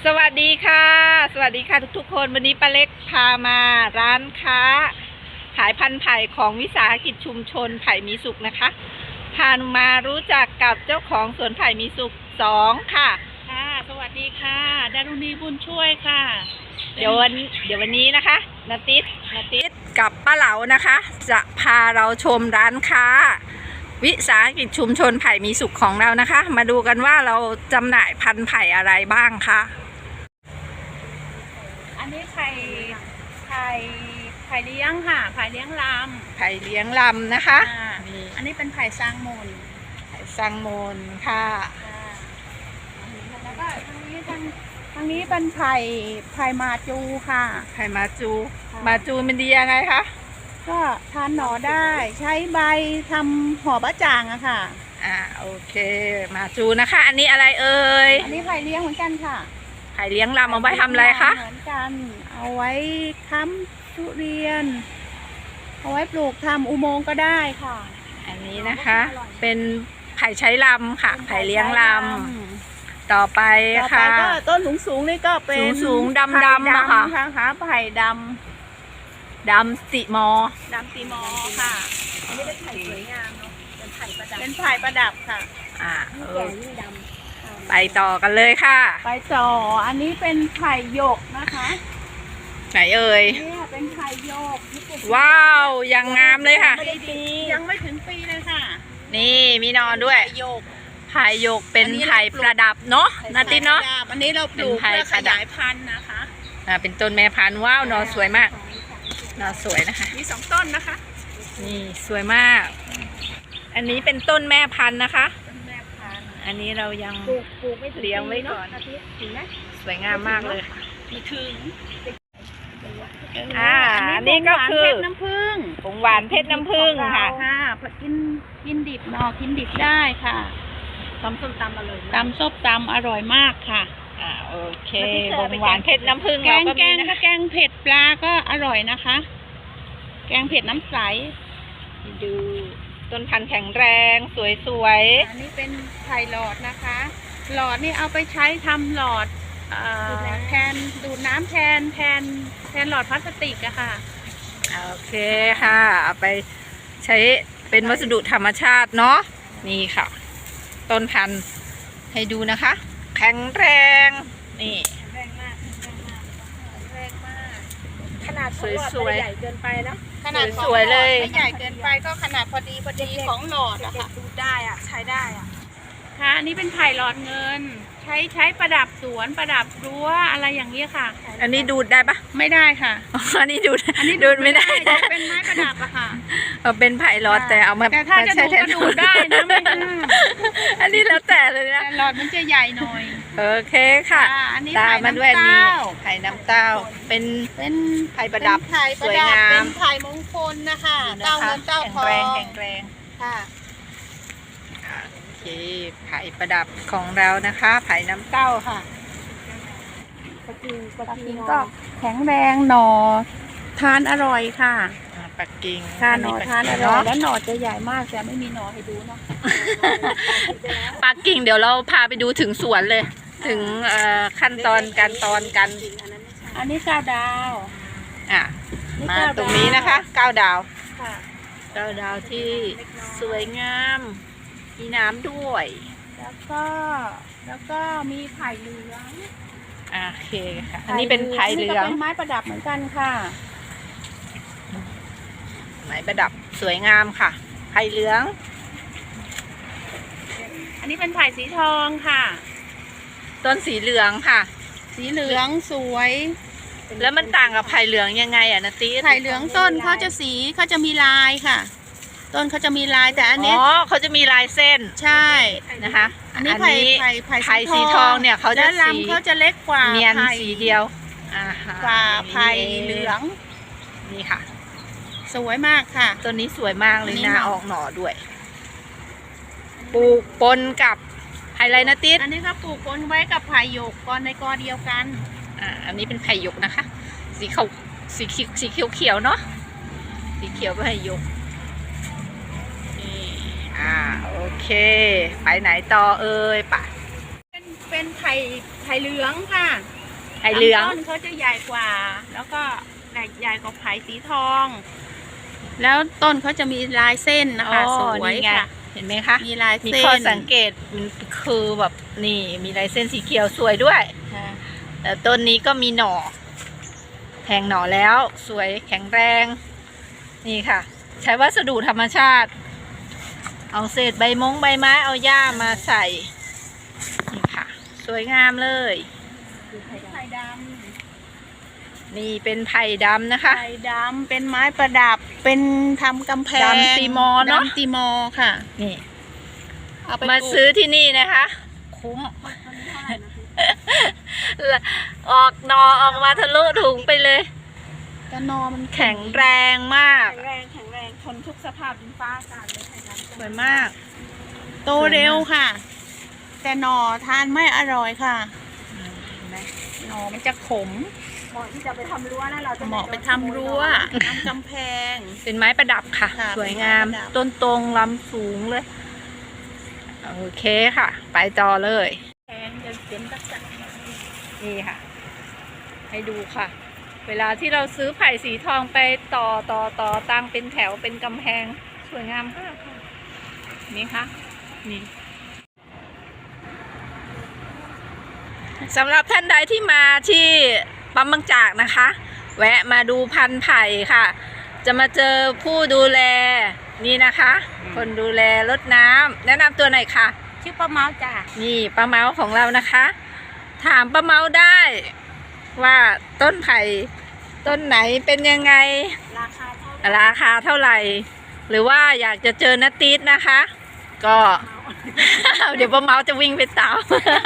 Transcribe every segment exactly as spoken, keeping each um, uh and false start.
สวัสดีค่ะสวัสดีค่ะทุกๆคนวันนี้ป้าเล็กพามาร้านค้าขายพันธุ์ไผ่ของวิสาหกิจชุมชนไผ่มีสุขนะคะพามารู้จักกับเจ้าของสวนไผ่มีสุขสองค่ะค่ะสวัสดีค่ะดารุณีบุญช่วยค่ะเดี๋ยววันเดี๋ยววันนี้นะคะนาติสนาติสกับป้าเหลานะคะจะพาเราชมร้านค้าวิสาหกิจชุมชนไผ่มีสุขของเรานะคะมาดูกันว่าเราจำหน่ายพันธุ์ไผ่อะไรบ้างคะอันนี้ไผ่ไผ่ไผ่เลี้ยงค่ะไผ่เลี้ยงลไผ่เลี้ยงลำนะคะอันนี้เป็นไผ่ซางมูลไผ่ซางมูลค่ะแล้วก็ทางนี้ทางทางนี้เป็นไผ่ไผ่มาจูค่ะไผ่มาจูมาจูมันดียังไงคะก็ทานหน่อได้ใช้ใบทำห่อบะจ่างอะค่ะอ่าโอเคมาจูนะคะอันนี้อะไรเอ่ยอันนี้ไผ่เลี้ยงเหมือนกันค่ะไผ่เลี้ยงลำเอาไว้ทำอะไรคะเหมือนกันเอาไว้ค้ำทุเรียนเอาไว้ปลูกทำอุโมงค์ก็ได้ค่ะอันนี้นะคะเป็นไผ่ใช้ลำค่ะไผ่เลี้ยงลำต่อไปค่ะก็ต้นสูงสูงนี่ก็เป็นสูงดำดำอะค่ะหาไผ่ดำดำสีมอดำสีมอค่ะอันนี้เป็นไผ่สวยงามเนาะเป็นไผ่ประดับเป็นไผ่ประดับค่ะอ่าเออไปต่อกันเลยค่ะไปต่ออันนี้เป็นไผ่หยกนะคะไหนเอ่ยนี่เป็นไผ่หยกว้าวยังงามเลยค่ะยังไม่ถึงปีเลยค่ะนี่มีนอนด้วยหยกไผ่หยกเป็นไผ่ประดับเนาะนาติเนาะอันนี้เราปลูกเพื่อขยายพันธุ์นะคะอ่าเป็นต้นแม่พันธุ์ว้าวนอสวยมากนอสวยนะคะมีสองต้นนะคะนี่สวยมากอันนี้เป็นต้นแม่พันธุ์นะคะอันนี้เรายังปลูกปลูกไม่เลี้ยงไว้ก่อนสวยงามมากเลยค่ะมีถึงอ่าอันนี้ก็คือน้ำผึ้งผงหวานเพชรน้ำผึ้งค่ะค่ะกินกินดิบหน่อกินดิบได้ค่ะตำส้มตำอร่อยตำส้มตำอร่อยมากค่ะอ่าโอเคผงหวานเพชรน้ำผึ้งแกงแกงถ้าแกงเผ็ดปลาก็อร่อยนะคะแกงเผ็ดน้ำใสดูต้นพันธุ์แข็งแรงสวยๆอันนี้เป็นไผ่หลอดนะคะหลอดนี่เอาไปใช้ทำหลอดแทนดูดน้ำแทนแทนแทนหลอดพลาสติกอะค่ะโอเคค่ะเอาไปใช้เป็นวัสดุธรรมชาติเนาะนี่ค่ะต้นพันธุ์ให้ดูนะคะแข็งแรงนี่แรงมากแรงมากขนาดสวยๆใหญ่เกินไปเนาะขนาดสวยเลยไม่ใหญ่เกินไปก็ขนาดพอดีพอดีของหลอดอะค่ะดูได้อะใช้ได้อะค่ะอันนี้เป็นไผ่หลอดเงินใช้ใช้ประดับสวนประดับรั้วอะไรอย่างนี้ค่ะอันนี้ดูดได้ปะไม่ได้ค่ะอันนี้ดูดอันนี้ดูดไม่ได้เป็นไม้ประดับอะค่ะเอาเป็นไผ่หลอดแต่เอามาแต่ถ้าจะดูก็ดูได้นะไม่อันนี้แล้วแต่เลยนะหลอดมันจะใหญ่หน่อยโอเคค่ะตามมาด้วยนี่ไผ่น้ำเต้าเป็นเป็นไผ่ประดับสวยงามเป็นไผ่มงคลนะคะเต้าเงินเต้าทองแข็งแรงค่ะโอเคไผ่ประดับของเรานะคะไผ่น้ำเต้าค่ะปักกิ่งปักกิ่งก็แข็งแรงหน่อทานอร่อยค่ะปักกิ่งค่ะหน่อทานอร่อยแล้วหน่อจะใหญ่มากแต่ไม่มีหน่อให้ดูเนาะปักกิ่งเดี๋ยวเราพาไปดูถึงสวนเลยถึงขั้นตอนการตอนกันอันนี้เก้าดาวอ่ะมาตรงนี้นะคะเก้าดาวค่ะเก้าดาวที่สวยงามมีน้ำด้วยแล้วก็แล้วก็มีไผ่เหลืองโอเคค่ะอันนี้เป็นไผ่เหลืองเป็นไม้ประดับเหมือนกันค่ะไม้ประดับสวยงามค่ะไผ่เหลืองอันนี้เป็นไผ่สีทองค่ะต้นสีเหลืองค่ะสีเหลืองสวยแล้วมันต่างกับไผ่เหลืองยังไงอ่ะนาติไผ่เหลืองต้นเขาจะสีเขาจะมีลายค่ะต้นเขาจะมีลายแต่อันนี้อ๋อเขาจะมีลายเส้นใช่นะคะอันนี้ไผ่ไผ่ไผ่สีทองเนี่ยเขาจะลำเขาจะเล็กกว่าเนียนสีเดียวกว่าไผ่เหลืองนี่ค่ะสวยมากค่ะต้นนี้สวยมากเลยนะออกหน่อด้วยปลูกปนกับไผ่ไรนะติดอันนี้ก็ปลูกปนไว้กับไผ่หยกกอนในกอเดียวกันอ่าอันนี้เป็นไผ่หยกนะคะสีขาวสีเขียวสีเขียวเขียวเนาะสีเขียวไผ่หยกอ่าโอเคไปไหนต่อเอ่ยป่ะเป็นไผ่ไผ่เหลืองค่ะไผ่เหลืองลำต้นเขาจะใหญ่กว่า แล้วก็ใหญ่กว่าไผ่สีทอง แล้วต้นเขาจะมีลายเส้นนะคะอ๋อสวยนี่ไงค่ะเห็นไหมคะมีลายมีเส้นข้อสังเกตมันคือแบบนี่มีลายเส้นสีเขียวสวยด้วยค่ะแต่ต้นนี้ก็มีหน่อแทงหน่อแล้วสวยแข็งแรง นี่ค่ะ ใช้วัสดุธรรมชาติ เอาเศษใบมงใบไม้เอาหญ้ามาใส่นี่ค่ะ สวยงามเลยไผ่ดนี่เป็นไผ่ดำนะำคะไผ่ดำเป็นไม้ประดับเป็นทำกำแพงดำตีมอเนอะดำตีมอค่ะนี่เอาไปมาปลูกซื้อที่นี่นะคะ คุ้ม ออกหนอออกมาทะลุถุงไปเลยกระนอมันแข็งแรงมากแข็งแรงแข็งแรงทนทุกสภาพดินฟ้าอากาศเลยไผ่ดำสวยมากโตเร็วค่ะ แต่หน่อทานไม่อร่อยค่ะเห็นไหมหน่อมันจะขมเหมาะที่จะไปทำรั้วนะเราจะเหมาะไปทำรั้วทำกำแพงเป็นไม้ประดับค่ะค่ะสวยงามเป็นไม้ประดับต้นตรงลำสูงเลย โอเคค่ะ ไปต่อเลยแพงจะเป็นตักจักนี่ค่ะ ให้ดูค่ะ เวลาที่เราซื้อไผ่สีทองไปต่อต่อต่อตั้งเป็นแถวเป็นกำแพง สวยงามมากค่ะ นี่ค่ะ นี่สำหรับท่านใดที่มาที่ปั๊มบางจากนะคะ แวะมาดูพันธุ์ไผ่ค่ะ จะมาเจอผู้ดูแลนี่นะคะ คนดูแลรดน้ำแนะนำตัวหน่อยค่ะชื่อป้าเมาจ้ะนี่ป้าเมาของเรานะคะ ถามป้าเมาได้ว่าต้นไผ่ต้นไหนเป็นยังไงราคาเท่าไหร่ราคาเท่าไหร่ หรือว่าอยากจะเจอนาตีดนะคะ ก็ เดี๋ยวป้าเมาจะวิ่งไปตาม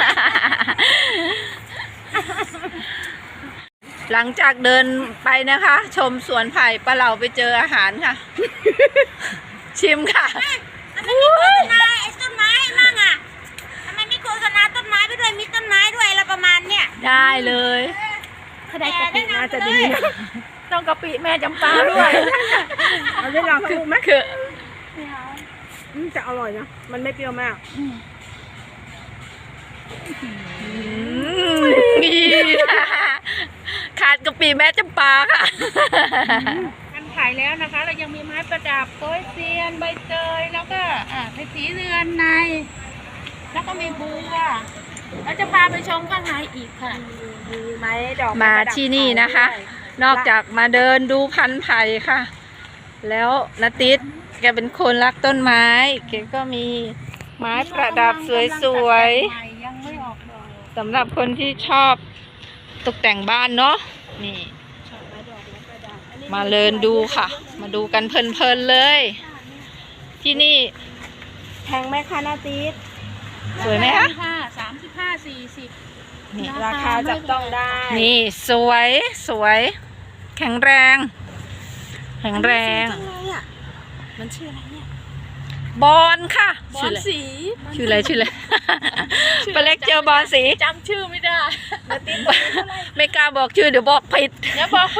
หลังจากเดินไปนะคะ ชมสวนไผ่ป้าเราไปเจออาหารค่ะ ชิมค่ะนายไอ้ต้นไม้มั่งอ่ะทำไมไม่โฆษณาต้นไม้ไปด้วยมีต้นไม้ด้วยอะไรประมาณเนี้ยได้เลยถ้าได้กะปิน่าจะดีต้องกะปิแม่จำปาด้วยเอาได้ลองดูไหมคืออืมจะอร่อยนะมันไม่เปรี้ยวมากนี่ขาดกะปิแม่จำปาค่ะกันขายแล้วนะคะ เรายังมีไม้ประดับโป๊ยเซียนใบเตยแล้วก็อ่าเพชรสีเรือนใน แล้วก็มีบัวเราจะพาไปชมข้างในอีกค่ะมีไม้ดอกมาที่นี่นะคะ นอกจากมาเดินดูพันธุ์ไผ่ค่ะ แล้วนาติดแกเป็นคนรักต้นไม้ แกก็มีไม้ประดับสวยๆยังไม่ออกดอกสำหรับคนที่ชอบตกแต่งบ้านเนาะนี่ มาเดินดูค่ะ มาดูกันเพลินๆเลย ที่นี่แพงไหมคะนาตีดสวยไหมคะค่ะสามสิบห้าสี่สิบนี่ราคาจับต้องได้นี่สวยสวย แข็งแรง แข็งแรงจังเลยอ่ะมันชื่ออะไรเนี่ยบอลค่ะบอลสีชื่ออะไรชื่ออะไรปลาเล็กเจอบอลสีจำชื่อไม่ได้นาตีดตัวนี้เท่าไหร่ไม่กล้าบอกชื่อเดี๋ยวบอกผิดเดี๋ยวบอกไป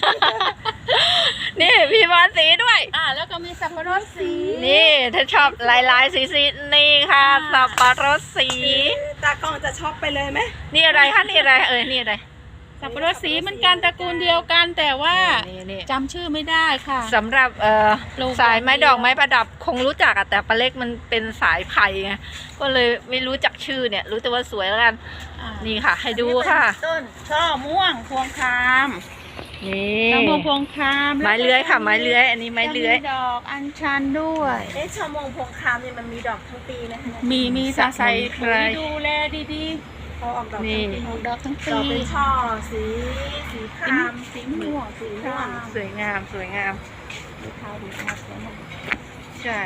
นี่พี่บอลสีด้วยอ่าแล้วก็มีสับปะรดสีนี่ถ้าชอบลายลายๆสีสีๆนี่ค่ะสับปะรดสีตากล้องจะช็อกไปเลยไหมนี่อะไรคะนี่อะไรเออนี่อะไรสับปะรดสีเหมันกันตระกูลเดียวกันแต่ว่านี่นี่จำชื่อไม่ได้ค่ะสำหรับเอ่อปลูกสายไม้ดอกไม้ประดับคงรู้จักอะแต่ปลาเล็กมันเป็นสายไผ่ไงก็เลยไม่รู้จักชื่อเนี่ย รู้แต่ว่าสวยแล้วกันอ่านี่ค่ะ ให้ดูค่ะต้นช่อม่วงพวงคามนี่ช่อม่วงพวงคามไม้เลื้อยค่ะ ไม้เลื้อย อันนี้ไม้เลื้อยจะดอกอัญชันด้วยเอ๊ะชาวมงพวงคามเนี่ยมันมีดอกทั้งปีไหมคะมีมีสะใส่สมปุ๋ยดูแลดีเขาออกดอกนี่ทั้งปีๆออกดอกทั้งดปีอกเป็นช่อสีสีครามสีม่วงสีม่วงสวยงามสวยงามสีขาวสีขาวสวยมากใช่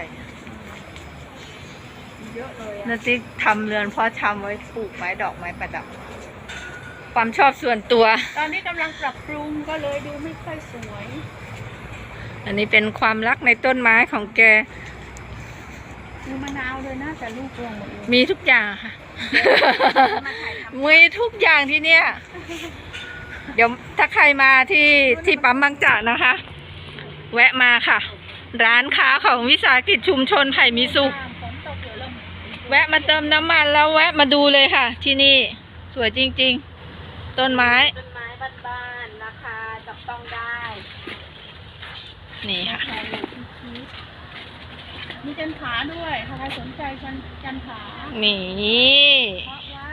เยอะเลยอะนาติ๊กทำเรือนเพาะชำไว้ปลูกไม้ดอกไม้ประดับ ความชอบส่วนตัวตอนนี้กำลังปรับปรุงก็เลยดูไม่ค่อยสวยอันนี้เป็นความรักในต้นไม้ของแกดูมะนาวเลยนะแต่ลูกรวงหมดเลยมีทุกอย่างค่ะมาถ่ายทมีทุกอย่างที่เนี่ย เดี๋ยวถ้าใครมาที่ที่ปั๊มบางจากนะคะ แวะมาค่ะ ร้านค้าของวิสาหกิจชุมชนไผ่มีสุขฝนตกเดี๋ยวเริ่มแวะมาเติมน้ำมันแล้วแวะมาดูเลยค่ะ ที่นี่สวยจริงๆ ต้นไม้ต้นไม้บ้านๆราคาจับต้องได้นี่ค่ะมีจันผาด้วยถ้าใครสนใจจันจันผานี่เพาะไว้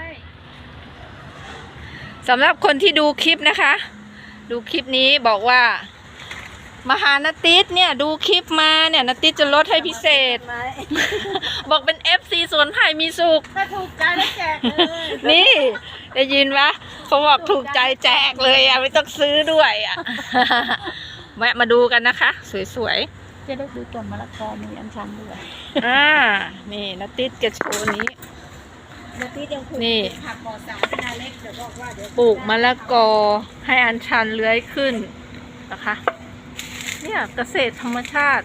สำหรับคนที่ดูคลิปนะคะ ดูคลิปนี้บอกว่ามาหานติสเนี่ยดูคลิปมาเนี่ยนติสจะลดให้พิเศษ บอกเป็น เอฟ ซี สวนไผ่มีสุขถ้าถูกใจแล้วแจกเลยนี่ได้ยินปะเขาบอกถูกใจแจกเลยอ่ะไม่ต้องซื้อด้วยอ่ะ แวะมาดูกันนะคะ สวยจะได้ดูต้นมะละกอมีอัญชันด้วยๆอ่านี่นติสจะโชว์นี้เดี๋ยวพี่ยังปลูกนี่ผักปลอดสารนาเล็กเดี๋ยวบอกว่าเดี๋ยวปลูกมะละกอให้อัญชันเลื้อยขึ้นนะคะ เนี่ยเกษตรธรรมชาติ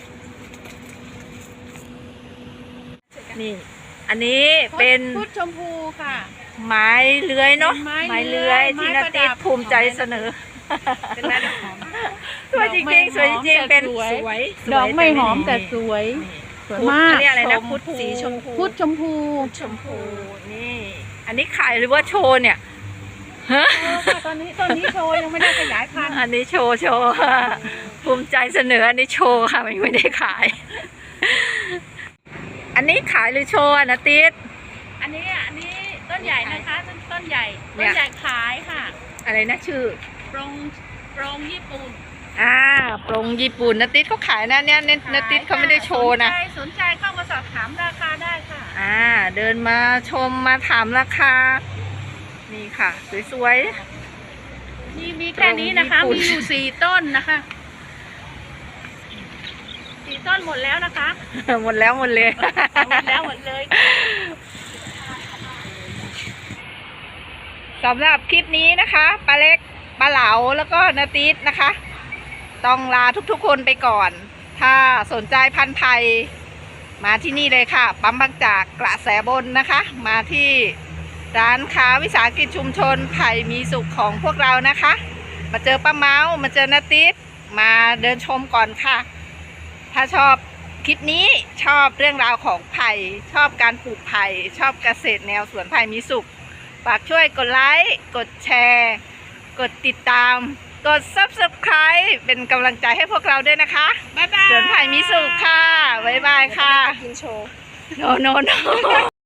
นี่ อันนี้เป็นพุทธชมพูค่ะไม้เลื้อยเนาะไม้เลื้อยไม้ที่ไม้นาประติดัสบภูมิใจเสนอเป็นไม้ดอกหอมสวยจริงๆสวยจริงๆเป็นสวยสวยดอกไม่หอมแต่สวย สวยพุทธมากเรียกอะไรนะพุทธสีชมพูพุทธชมพูชมพูนี่ อันนี้ขายหรือว่าโชว์เนี่ยฮะโชว์ค่ะตอนนี้ตอนนี้โชว์ยังไม่ได้ขยายพันธุ์อันนี้โชว์โชว์ภูมิใจเสนออันนี้โชว์ค่ะไม่ได้ขาย อันนี้ขายหรือโชว์อะนาติสอันนี้อันนี้ต้นใหญ่นะคะต้นต้นใหญ่เนี่ต้ยนใหญ่ขายค่ะอะไรนะชื่อโปรงโปรงญี่ปุ่นอ่าปรงญี่ปุ่นนาติสเขาขายนะเนี่ยเนี่ยนาติสเขาไม่ได้โชว์นะสนใจสนใจเข้ามาสอบถามราคาได้ค่ะอ่าเดินมาชมมาถามราคา นี่ค่ะ สวยนี่มีแค่นี้นะคะโปรงญี่ปุ่นมีอยู่สี่ต้นนะคะสี่ต้นหมดแล้วนะคะๆ หมดแล้วหมดเลยหมดแล้วหมดเลยสำหรับคลิปนี้นะคะปลาเล็กปลาเหลาแล้วก็นาติสนะคะ ต้องลาทุกๆคนไปก่อน ถ้าสนใจพันธุ์ไทยมาที่นี่เลยค่ะ ปั๊มบางจากกระแสบนนะคะ มาที่ร้านค้าวิสาหกิจชุมชนไผ่มีสุขของพวกเรานะคะ มาเจอป้าเมาส์มาเจอนาติสมาเดินชมก่อนค่ะ ถ้าชอบคลิปนี้ชอบเรื่องราวของไผ่ชอบการปลูกไผ่ชอบเกษตรแนวสวนไผ่มีสุขฝากช่วยกดไลค์กดแชร์ กดติดตาม กด ซับสไครบ์ เป็นกำลังใจให้พวกเราด้วยนะคะบ๊ายบายสวนไผ่มีสุขค่ะ บ๊ายบายค่ะกินโชว์โนโนโน